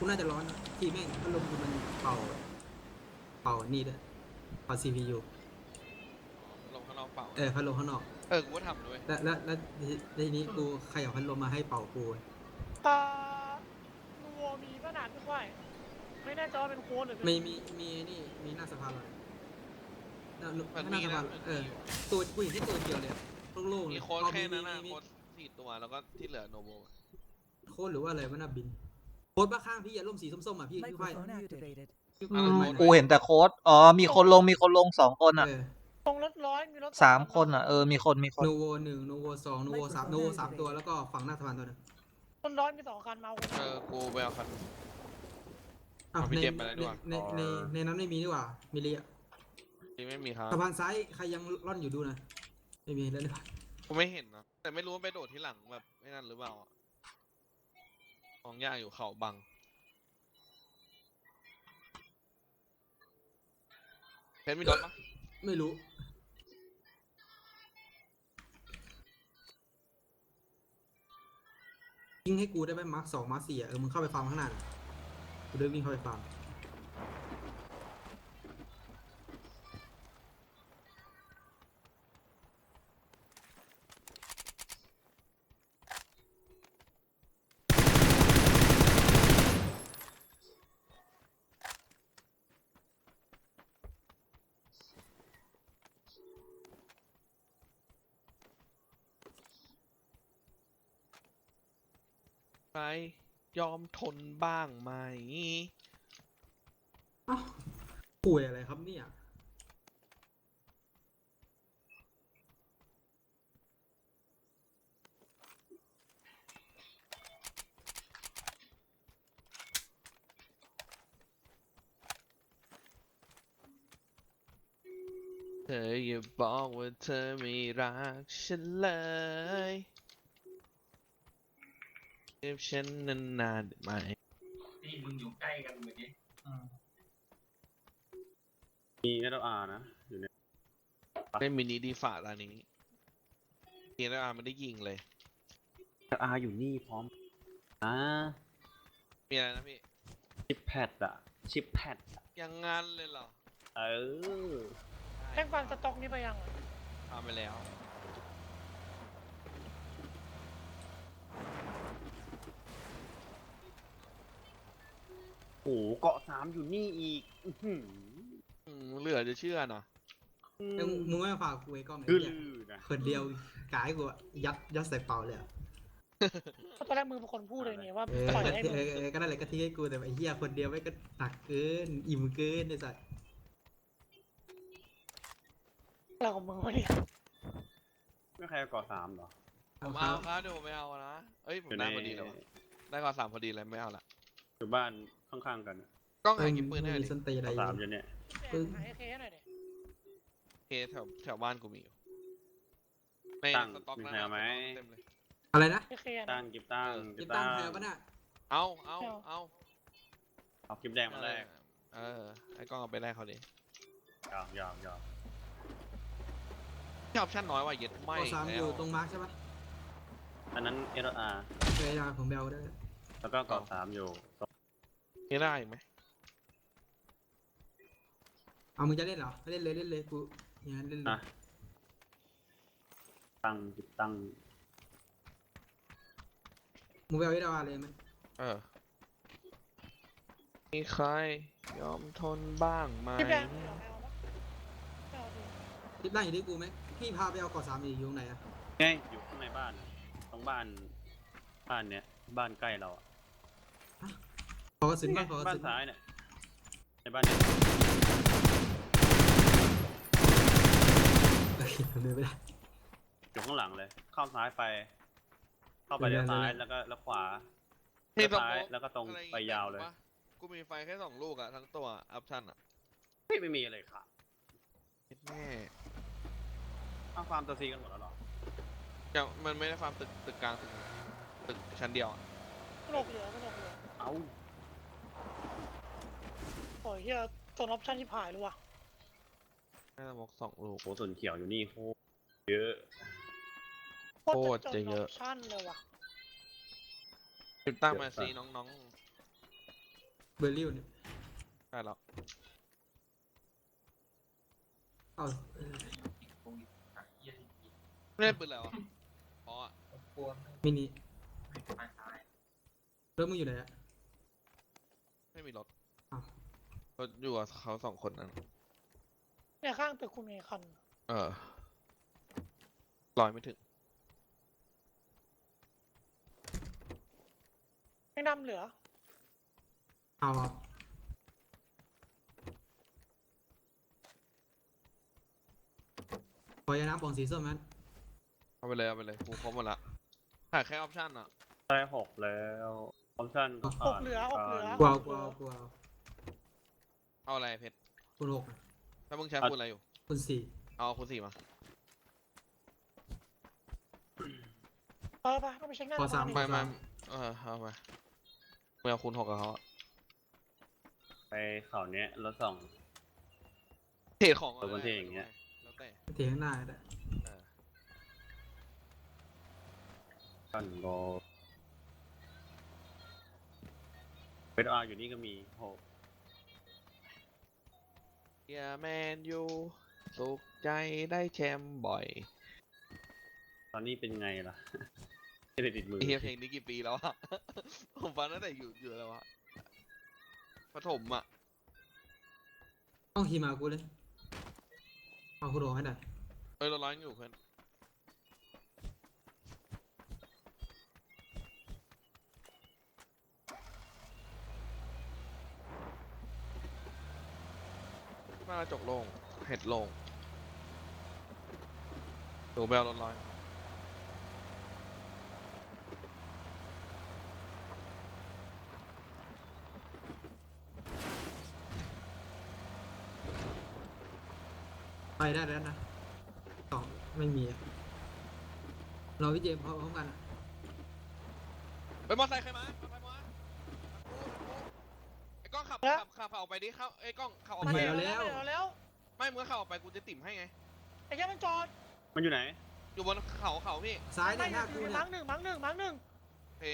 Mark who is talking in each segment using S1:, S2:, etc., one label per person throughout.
S1: กูน่าจะร้อนนะที่แม่งพัดลมกูมันเป่านี่ด้วยเป่า CPU
S2: ลงข้างนอกเปล่า
S1: พัดลมข้างนอก
S2: กูก็ทำด้วย
S1: แล้วทีนี้กูใครเอาพัดลมมาให้เป่ากู
S3: นูโวมีก็นานไม่ค่อยไม่แน่ใจว่าเป็นโค้ดหรือเป็น
S1: มีนี่มีหน้าสภาเลยหน้า
S2: มัน
S1: หน้า
S2: มี
S1: ส
S2: นะ
S1: ภาตัวกูเห็นแค่ตัวเดียวเลยโล่งๆเล
S2: มี
S1: ย
S2: โค้ดแค่นั้นนะ
S1: มี
S2: โค้ด4 ตัวแล้วก็ที่เหลือโนโบ
S1: โค้ดหรือว่าอะไรวะน่าบินโค้ดบ้าข้างพี่อะร่มสีส้มๆอ่ะพี่ค่อย
S4: Microphone activated.
S5: กูเห็นแต่โค้ดมีคนลง2 คนอ่ะ
S3: ตรงรถร้อยมีรถ
S5: 3 คนอ่ะมีคน
S1: โนโว1โนโว2โนโว3โนโว3ตัวแล้วก็ฝั่งหน้าสะพานตัวนึง
S3: รถร้อยมี2 คันมาเอา
S2: กูไปเอาคัน
S1: อ้าว
S2: เอาพี่เจมส์ไปแล้วดีกว่า
S1: ในนั้นไม่มีดีกว่ามีเรีย
S2: ที่ไม่มีครับ
S1: สะพานซ้ายใครยังร่อนอยู่ดูนะไม่มีแล้วหรือเปล่า
S2: กูไม่เห็นนะแต่ไม่รู้ว่าไปโดดที่หลังแบบไม่นั่นหรือเปล่าของยากอยู่เขาบังเพชรมีรถปะ
S1: ไม่รู้ยิงให้กูได้ไหมมาร์ค2มาร์ค4มึงเข้าไปฟาร์มข้างหน้าน่ะกูเดินวิ่งเข้าไปฟาร์ม
S2: ใครยอมทนบ้างไหม
S1: อ้าวป่วยอะไรครับเนี่ย
S2: เธออย่าบอกว่าเธอไม่รักฉันเลยเก็บฉันนานๆได้ไหม
S6: นี่มึงอยู่ใกล้กันเหมือนนี้
S7: มี SLR นะอยู่ใน
S2: เล่นมินิดีฝ่าตอนนี้เกียร์อาร์มันได้ยิงเลย
S7: SLR อยู่นี่พร้อมนะ
S2: มีอะไรนะพี่
S7: ชิปแพดอะชิปแพดอะ
S2: ยังงั้นเลยเหรอ
S7: เออ
S3: แท่งฟันสต็อกนี้ไปยัง
S2: ทำไปแล้ว
S7: โอ้โหเกาะ3อยู่นี่อีกอื้อหือ
S2: เหลือจะเชื่อเนาะ
S1: มึงไม่มาฝากกูไอ้กล้อง
S7: คือ
S1: ไอ้
S7: ลื
S1: เหี้ย
S7: อนะ
S1: คนเดียวกายกูอะยัดใส่เป่าเลยอะ
S3: เพราะตอนแรกมือเป็นคนพูดเลยเนี่ยว่า
S1: เออ
S3: ปล่อยให้มึง
S1: ก็นั่นแหละก็ทิ้งให้กูแต่ไอ้เหี้ยคนเดียวไม่ก็หนักเกินอิ่มเกินไอ้สัส
S3: อะไรของมึงวะเนี่ย
S7: ไม่ใครเอาเกาะ3เหรอ
S2: ผมเอาครับเดี๋ยวผมไม่เอานะเอ้ยผมได้พอดีแล้ววะได้ก่อน3พอดีเลยไม่เอาละ
S7: อยู่บ้านข้างๆกันอะ
S2: กล้องหากินปืนให้หน่อย
S1: มี
S2: ดิ
S1: ส้นตีนอะไร
S7: เกาะ
S1: อยู่
S7: 3อยู่เนี่ย
S3: หายเคให้หน่อยดิ
S2: เคแถวบ้านกูมีอยู่ใน
S7: ตั้ง
S2: สต็อก
S7: มี
S2: นะ
S7: ใครเอาไหม
S2: เต็มเลย
S1: อะไรนะ
S3: เคนะ
S7: ตั้งกิบตั้ง
S1: กิบตั้งใครเอาปะน่ะ
S2: เอา
S7: เอากิบแดงมาแรก
S2: ไอ้กล้องเอาไปแรกเขาดิ
S7: ยาว
S2: ที่ออปชั่นน้อยว่ะเย็ดไม่
S1: ข้อ3อยู่ตรงมาร์คใช่ปะ
S7: อันนั้น SLR
S1: เคยมาผมไปเอาได้
S7: แล้วก็เกาะ3อยู่
S2: นี่ได้อีกไหม
S1: เอามึงจะเล่นเหรอเล่นเลยกูอย่างนั้นเล่นเลย
S7: นะตั้งกิบตั้ง
S1: มึงไปเอาไอ้ดาวเลยไหม
S2: มีใครยอมทนบ้างไหม
S3: พี่แบงค์เอาปะไม่เอาดิ
S1: รีบนั่งอยู่ที่กูไหมพี่พาไปเอาก่อ3อยู่ตรงไหนอะ
S7: ไงอยู่ข้างในบ้านอะตรงบ้านเนี้ยบ้านใกล้เราอะ
S1: ขอกระสุน
S7: นี่ไง
S1: บ้างขอกระ
S7: บ้าน
S1: สุน
S7: ซ้ายเนี่ยในบ้านเนี้ย
S1: เฮ้ยผมเดินไม่ได้
S7: อยู่ข้างหลังเลย เข้าซ้ายไป เข้าไปเลี้ยวซ้ายแล้วขวา
S2: มี
S7: เลี้ยว
S2: ส
S7: ซ้าย
S2: โมก
S7: แล้วก็ตรง
S2: อะอีก
S7: ไปยาวเลย
S2: ปะกูมีไฟแค่2 ลูกอะทั้งตัวออปชั่นอะ
S7: ไม่มีอะไรค่ะ
S2: แน่
S7: เอาความตัวซีกันหมดแล้วเหรอ
S2: ยังมันไม่ได้ฟาร์มตึกกลางตึกชั้นเดียวอะ
S3: กระโหลกเหลือ
S7: เอา
S3: โอ้ยเฮียตัวออปชั่นที่ผ่ายเลยว่ะ
S2: น่าจะมก2 ลูก
S7: โหส่วนเขียวอยู่นี่โคตรเยอะ
S3: โคตรจะ
S2: เยอะ
S3: ออปชั่นเลยว่ะ
S2: ติดตั้งมาซีน้อง
S1: เบอร์ริวเนี่ย
S2: ได้แล้ว
S1: เอา
S2: ไม่ได้ปืนแล้วอะอ๋อ
S1: มินิ
S6: ไปซ้าย
S1: รถมึงอยู่ไหนอะ
S2: ไม่มีรถ
S1: อ้าว
S2: รถอยู่กับเขาสองคนนั้น
S3: เนี่ยข้างตึกคุณมีคัน
S2: ลอยไม่ถึง
S3: ไม่นำเหลือ
S1: เอาอะขอยาน้ำปองสีส้มนั้น
S2: เอาไปเลยเอาไปเลยกูครบหมดละขาดแค่ออปชั่นอ่ะ
S7: ได้6แล้วออปชั่นก็
S3: ห
S7: ขาด
S3: กเหลือหกเหลือ
S1: กลัวกลัวกลัว
S2: เอาอะไรเพชร
S1: คุณหกอะ
S2: ถ้ามึงใช้คูณอะไรอยู่
S1: คุณสี่
S2: เอาคูณ4มา
S3: ไปต้องไปเช็คหน้า
S1: พอสาม
S3: ดิ
S2: ไม่ไม่เอาไปมึงเอาคูณ6กับเขาอะ
S7: ไปเขาเนี้ยรถส่อง
S2: เทรดของ
S7: ตัวบนเทรดอย่างเงี้ย
S2: แล้วแต่
S1: เถียงข้างหน้าก็ได้
S2: เออ
S7: กันโกเวทอาร์อยู่นี่ก็มีโห
S2: เฮียแมนยูสุขใจได้แชมป์บ่อย
S7: ตอนนี้เป็นไงล่ะ ไม่ได้ติดมือ
S2: เฮียเพลงนี้กี่ปีแล้วอะ ผมฟังตั้งแต่อยู่แล้วอะประถมอะ
S1: ต้องขี่มากูเลยเอาคุณหกให้ได้
S2: เราร้อยอยู่เพื่อนมากระจกโล่งเห็ดโล่งหนูแบลร้อย
S1: ไปได้แล้วนะสองไม่มีอะเราพี่เจมส์พร้อมกันอะ
S2: ไปมอไซค์ใครมาไปมาไอ้กล้องขับออกไปดิเข้าไอ้กล้องขับออก
S3: มา
S2: ไป
S3: เดี๋ยวแล้ว
S2: ไม่เมื่อขับออกไปกูจะติ่มให้ไง
S3: ไอ้แค่มันจอด
S7: มันอยู่ไหน
S2: อยู่บนเขาพี่
S1: ซ้าย
S3: ไม่
S1: เนี่ยหน้า
S3: คื
S1: กู
S3: อ
S1: เนี่
S3: มั้
S1: ย
S3: งหนึ่งมั้งหนึ่งมั้งหนึ่ง
S2: โอเค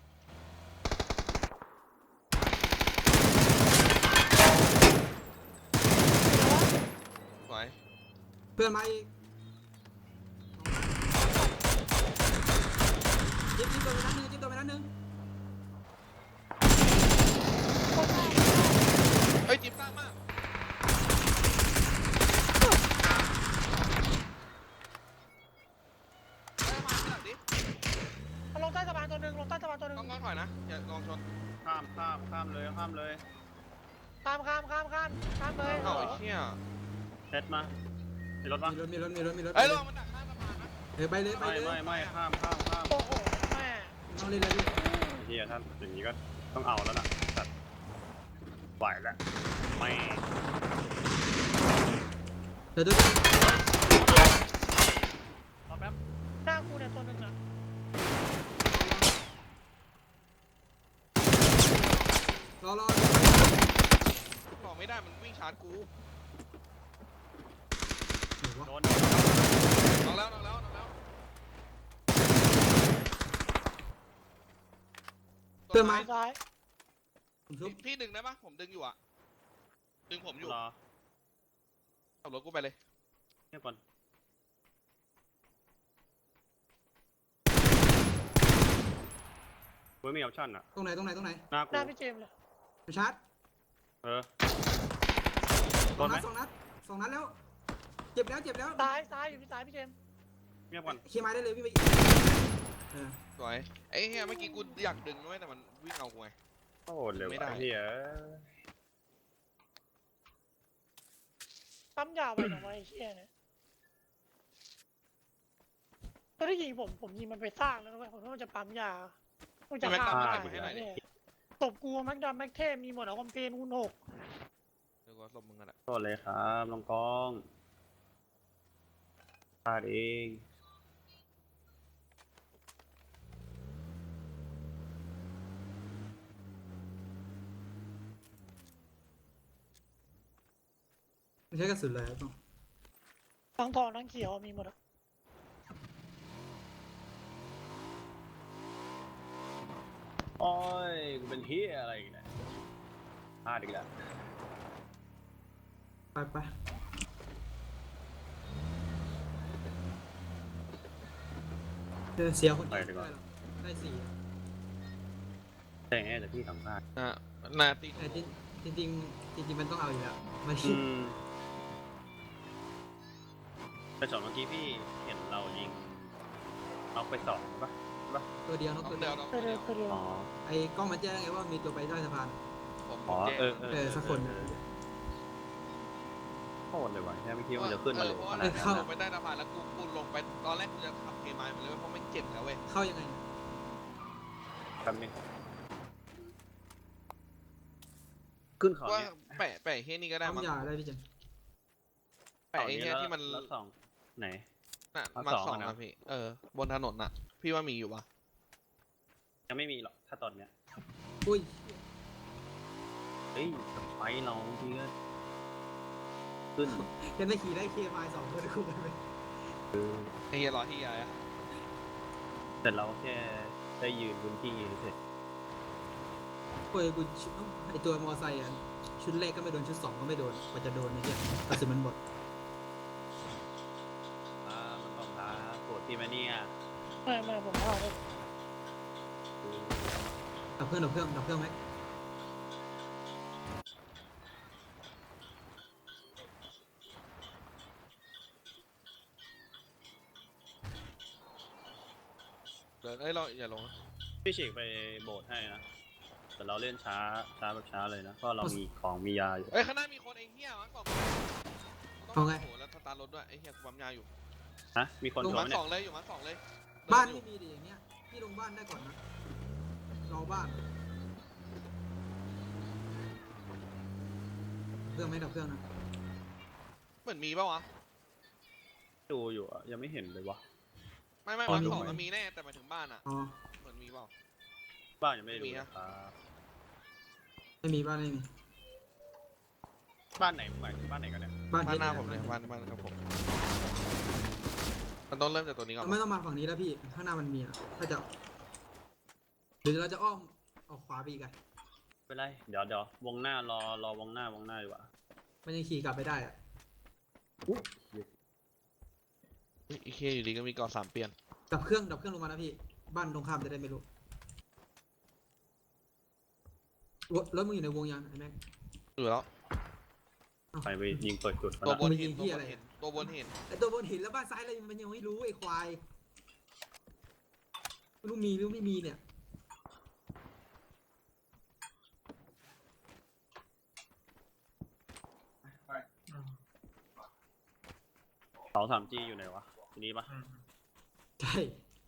S2: สวย
S1: เพื่อนมาอีกจิ๊บตัวไปนัดหนึ่งจิ๊บตัวไปนัดหนึ่ง
S2: เฮ้ยจิ๊บสร้างมากได้มาที่หลังดิ
S3: มันลงใต้สะพานตัวหนึ่งลงใต้สะพานตัวหนึ่ง
S2: กล้องถอยนะอย่าลองชน
S7: ข้ามเลยข้ามเลย
S3: ข้ามเลย
S2: เข้าไอ้เชี่ย
S7: เซ็ตมามีรถปะ
S1: มีรถ
S2: เอ้ยระวังมันดักข้ามสะพานนะ
S1: ไปเลย
S7: ไม่ข้าม
S3: โอ้โหแม่
S1: ต้องเล่นเลยพี่
S7: ไอ้เฮียท่านอย่างนี้ก็ต้องเอาแล้วล่ะสัตว์ไหวแล้วไม่
S1: เดี๋ยวดู
S7: รอแป๊บ
S3: หน้ากูเนี่ยตัวหนึ่งอ่ะ
S1: รอ
S2: บอกไม่ได้มันวิ่งชาร์จกู
S7: โดน
S2: น้องแล้ว
S1: เพื่อนมา
S3: ซ้าย
S1: ผมชุบ
S2: พี่ดึงได้ปะผมดึงอยู่อะดึงผมอยู่
S7: รอ
S2: ขับรถกูไปเลย
S7: เงียบก่อนเว้ยมีออปชั่นอะ
S1: ตรงไหน
S7: หน้า
S3: ห
S7: กู
S3: น้าพี่เจมส์เลย
S1: ไปชาร์จ
S7: โดนไหม
S1: สองนัดแล้วเจ็บแล้ว
S3: ซ้ายอยู่ที่ซ้ายพี่เจมส์
S7: เงียบก่อน
S1: เคลียร์ไม้ได้เลยพี่ไปเออ
S2: สวยไอ้เฮียเมื่อกี้กูอยากดึงด้วยแต่มันวิ่งเอากูไง
S7: โอ้เร็ว
S2: ไม่ได้
S7: ไอ้เฮีย
S3: ปั๊มยาวไปหน่อยไอ้เชี่ยเนี่ยตอนที่ยิงผมยิงมันไปสร้างแล้วนะเว้ยผมว่ามันจะปั๊มยามันจะฆ่าได้เนี่ยตบกูแม็กดำแม็กเทพมีหมดเอาคอมเพนคูณ6
S2: เดี๋ยวก็สมมึงกันอะ
S7: โทษเลยครับน้องกองพลาดเอง
S1: ไม่ใช่กระสุนเลยต้อง
S3: ทั้งทองทั้งเขียวมีหมดอะ
S7: โอ้ยกูเป็นเฮียอะไรอีกเนี่ยษณ์อีกแล้ว
S1: ไปเสียคนเดียวไม่ได้หรอกได้สี่
S7: แต่แต่พี่สัมภาษณ์
S2: นาตี
S1: แต่จริงมันต้องเอาอยู่แล้วมัน
S7: แต่ส่วนเมื่อกี้พี่เห็นเรายิงเอาไปสองปะ
S1: ตัวเดียวนกตัวเดียว
S3: ไปเร็วไปเร็ว
S7: อ๋อ
S1: ไอ้กล้องมันแจ้งไงว่ามีตัวไปใต้สะพาน
S2: ผม
S7: อ๋อ
S2: แจ้ง
S1: สักคน
S7: โคตรเลยว่ะแค่ไม่คิดว่าจะขึ้นมาเร็ว
S2: เพราะ
S7: ข
S2: ว่า
S7: นาด
S2: เข้า
S7: นั้น
S2: ไปใต้สะพานแล้วกูลงไปตอนแรกกูจะขับเคมายมาเลยเพราะไม่เจ็บแล้วเว้ย
S1: เข้ายังไง
S7: ครับนี่ขึ้นเขา
S2: ว่า
S7: เนี่ย
S2: แปะเฮียนี่ก็ได้
S1: ปั๊ม
S2: มั้ง
S1: ยาได้พี่เจน
S2: แปะไอ้เฮียที่มัน
S7: แล้วสองไหน
S2: น่ะ
S7: มา
S2: มา
S7: สอง
S2: สอง
S7: อะนะ
S2: นะพี่บนถนนน่ะ พี่ว่ามีอยู่ปะ
S7: ยังไม่มีหรอกถ้าตอนเนี้ย
S1: อุ้ย
S7: เฮ้ยไฟเราทีก็ขึ้น
S1: ยังได้ขี่ได้เคมาย2คนคู่กันไป
S2: ไอ้เฮียรอที่ยายอะ
S7: แต่เราแค่ได้ยืนพื้นที่เฉย
S1: โอ้ยกูไอตัวมอไซค์อ่ะชุดแรกก็ไม่โดนชุด2ก็ไม่โดนกว่าจะโดนไอ้เหี้ยกระสุนมันหมด
S7: มันต้องหาโกรธพี่มาเนี่ย
S3: ไม่ผมพลาดเลย
S1: ดับเครื่องไหม
S2: เดี๋ยวเราอย่าลงนะ
S7: พี่ฉีกไปโบสถ์ให้นะแต่เราเล่นช้าแบบช้าเลยนะเพราะเรามีของมียาอยู่
S2: ข้างหน้ามีคนไอ้เฮียมั้งบอกโหแล้วสตาร์ทรถด้วยไอ้เฮียกูปั๊มยาอยู่
S7: ฮะมีคน
S2: อยู่
S7: โด
S2: มาน
S7: ไหม
S2: ส
S7: เนี่
S2: องเลยอยู่มาสองเลย
S1: บ้านไม่มีดิอย่างเงี้ยพี่ลงบ้านได้ก่อนนะรอบ้านเครื่องไหมดับเครื่องนะ
S2: เหมือนมีป่าวะ
S7: ดูอยู่อะยังไม่เห็นเลยวะ
S2: ไม่
S1: อ๋อ
S2: มา
S1: มี
S2: สองมันมีแน่แต่หมายถึงบ้านอะ
S1: อ๋อ
S2: เหมือนมีเปล่า
S7: บ้านยังไม่ได้ดู
S2: ไม่มี
S7: เลย
S2: อะ
S7: ครับ
S1: ไม่มีบ้านไม่มี
S7: บ้านไหนหมายถึงบ้านไหนกันเนี่ย
S1: บ้าน
S2: บ้านหน้า
S1: เย็
S2: ผมเลย
S1: บ้
S2: บ้านครับผมมันต้องเริ่มจากตัวนี้ก่อน
S1: ไม่ต้องมาฝั่งนี้แล้วพี่ข้างหน้ามันมีอ่ะถ้าจะหรือเราจะอ้อมออกขวาไปอีกอะ
S7: ไม่เป็นไรเดี๋ยววงหน้ารอวงหน้าดีกว่า
S1: มันยังขี่กลับไปได้อ่ะ
S2: อีเคอยู่ดีก็มีก่อ3 เปลี่ยน
S1: ดับเครื่องลงมานะพี่บ้านตรงข้ามจะได้ไม่รู้รถมึงอยู่ในวงยังไอ้แม็ก
S2: อยู่แล้ว
S7: ไปยิงเปิดจุดเขา
S2: ตัว
S7: ละ
S2: บน
S1: มันยิ
S2: เห็น
S1: งที่อะไร
S2: ตัวบนเห็น
S1: ไอตัวบนหินแล้วบ้านซ้ายอะไรมันยังไม่รู้ไอ้ควายไม่รู้มีหรือไม่มีเนี่ย
S7: เสา 3G อยู่ไหนวะทีนี้ปะ
S1: ใช่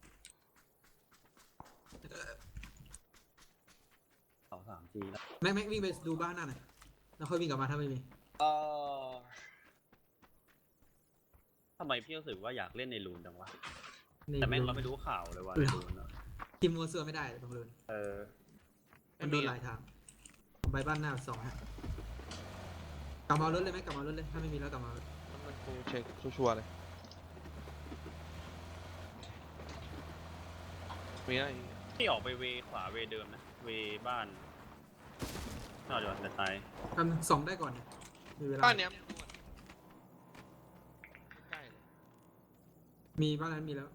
S7: เสา 3G แล้ว
S1: แม็กวิ่งไปดูบ้านหน้าหน่อยแล้วค่อยวิ่งกลับมาถ้าไม่มี
S7: ทำไมพี่รู้สึกว่าอยากเล่นในรูนจังวะแต่แม่งเราไม่รู้ข่าวเลยว่าในรูนอะ
S1: ทีมมัวเสือไม่ได้ตรงเลย
S7: เออ
S1: มันโดนหลายทางผมไปบ้านหน้า2ฮะกลับมาเอารถเลยไหมกลับมาเอารถเลยถ้าไม่มีแล้วกลับมาเอารถ
S2: มันกูเช็คชัวร์ๆเลยมีอะไร
S7: พี่ออกไปเวขวาเวเดิมนะเวบ้านน่าจะแต่ตาย
S1: ทำ2ได้ก่อนเนี่ยมีเวลา
S2: บ้านเนี้ยใกล้เลย
S1: มีบ้านนั้นมีแล้ว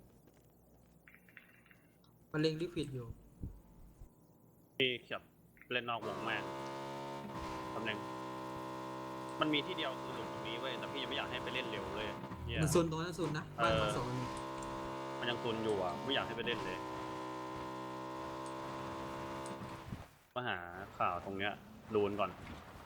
S1: มันเล็งลิควิดอยู่
S7: พี่ขับเล่นนอกวงแม่ตำแหน่งมันมีที่เดียวคือหลุมตรงนี้เว้ยแต่พี่ยังไม่อยากให้ไปเล่นเร็วเลยเหี้ย
S1: มันซุนตรงนั้นซุนนะบ้านมา2มันมี
S7: มันยังตุนอยู่อ่ะไม่อยากให้ไปเล่นเลยมาหาข่าวตรงเนี้ยรูนก่อน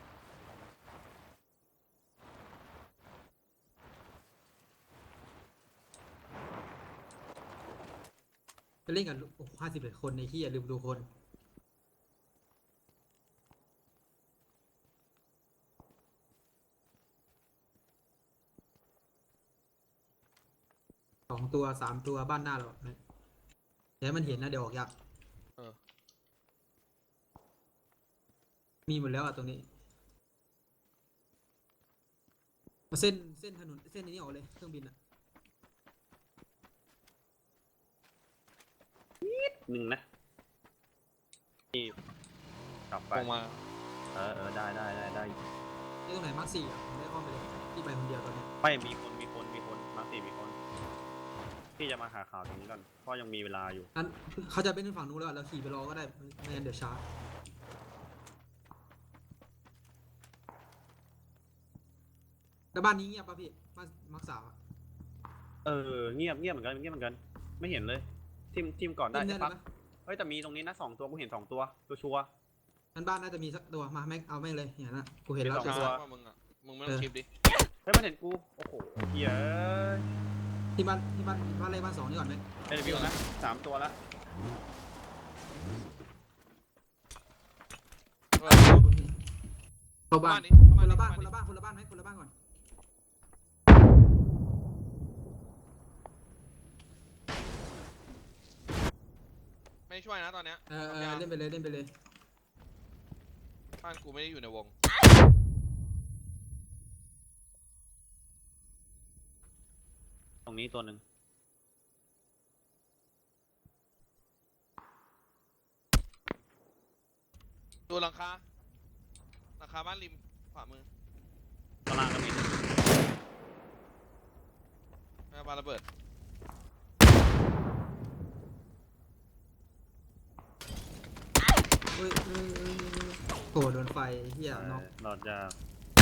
S1: จะเล่นกับโอ้51 คนในที่อย่าลืมดูคน2 ตัว 3 ตัวบ้านหน้าเราเดี๋ยวมันเห็นนะเดี๋ยวออกยากมีหมดแล้วอ่ะตรงนี้มาเส้นถนนเส้นนี้ออกเลยเครื่องบินอ่ะ
S7: หนึ่งนะที่กลับไป
S2: ลงมา
S7: เอได้
S1: นี่ตรงไหนมาร์ค4อ่ะผมได้อ้อมไปเลยที่ไปคนเดียวตอนเนี้ย
S7: ไม่มีคนมาร์ค 4มีคนพี่จะมาหาข่าวตรงนี้ก่อนเพราะยังมีเวลาอยู่
S1: นั้นเขาจะไปขึ้นฝั่งนู้นแล้วเราขี่ไปรอก็ได้ไม่งั้นเดี๋ยวช้าแล้วบ้านนี้เงียบป่ะพี่บ้านมาร์ค3อ่ะ
S7: เงียบเหมือนกันไม่เห็นเลยทีมก่อนได้
S1: เล่น
S7: ใช่
S1: ได้
S7: ปะ
S1: ไหม
S7: เฮ้ยแต่มีตรงนี้นะ2 ตัวกูเห็น2 ตัวชัวร์
S1: งั้นบ้านน่าจะมีสักตัวมาแม็กเอาแม่งเลยอย่างนั้นนะกูเห็นแล้ว
S7: มี
S1: แต่
S7: สองตัว
S2: ว่ามึงอ่ะมึงไม่ต้องคลิปดิ
S7: เฮ้ยมันเห็นกูโอ้โหเหี้ย
S1: ที่บ้านเลขบ้าน2นี่ก่อนไหม
S7: เอ้ยวิวนะ3 ตัวละ
S1: เข้าบ้าน
S2: นี้
S1: คนละบ้านไหมคนละบ้านไหมคนละบ้านก่อน
S2: ไม่ช่วยนะตอนเนี้ย
S1: เล่นไปเลย
S2: บ้านกูไม่ได้อยู่ในวง
S7: ตรงนี้ตัวหนึ่ง
S2: ดูหลังคาบ้านริมขวามือ
S7: ข้างล่างก็มี
S2: แม่บ้านระเบิด
S1: เฮ้ยโหโดนไฟเฮียน็อก
S7: หลอดยาก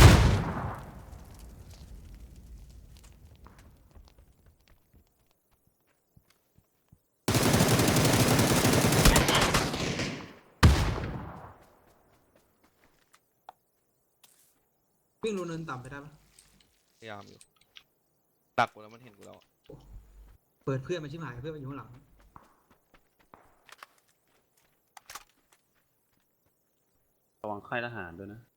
S1: วิ่งลงเนินต่ำไปได้ปะ
S2: พยายามอยู่ดักกูแล้วมันเห็นกูแล้วอะ
S1: เปิดเพื่อนมาชิบหายเพื่อนมาอยู่ข้างหลัง
S7: ระวังค่ายทหารด้วยนะ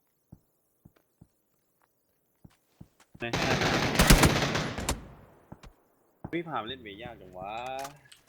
S7: ไม่พี่พามาเล่นเวยากจังวะ